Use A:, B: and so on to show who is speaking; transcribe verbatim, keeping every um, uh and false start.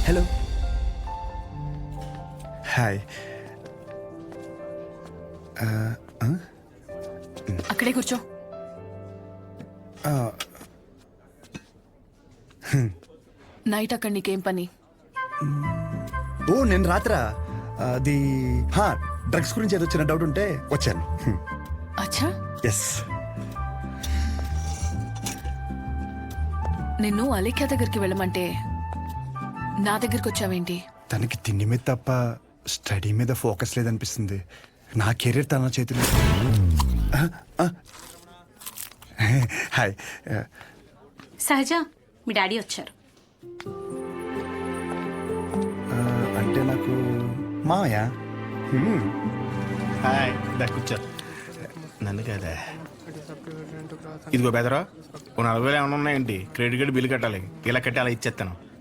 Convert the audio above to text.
A: Hello hi.
B: అక్కడే కూర్చో. Night అక్కడ నీకేం పని?
A: ఓ నేను రాత్రా అది డ్రగ్స్ గురించి ఏదో చిన్న డౌట్ ఉంటే వచ్చాను.
B: అచ్చా,
A: ఎస్.
B: నిన్ను అలేఖ్య దగ్గరికి వెళ్ళమంటే నా దగ్గరికి వచ్చావేంటి?
A: తనకి తిండి మీద తప్ప స్టడీ మీద ఫోకస్ లేదనిపిస్తుంది. నా కెరీర్ తన చేతిలో. హాయ్.
C: సహజ, మీ డాడీ వచ్చారు.
A: అంటే నాకు మామయ్య.
D: హాయ్, దా కూర్చో. నన్ను కదా. ఇదిగో బెదరా, ఓ నలభై వేలు ఏమైనా ఉన్నాయండి? క్రెడిట్ కార్డు బిల్లు కట్టాలి. ఇలా కట్టి అలా ఇచ్చేస్తాను.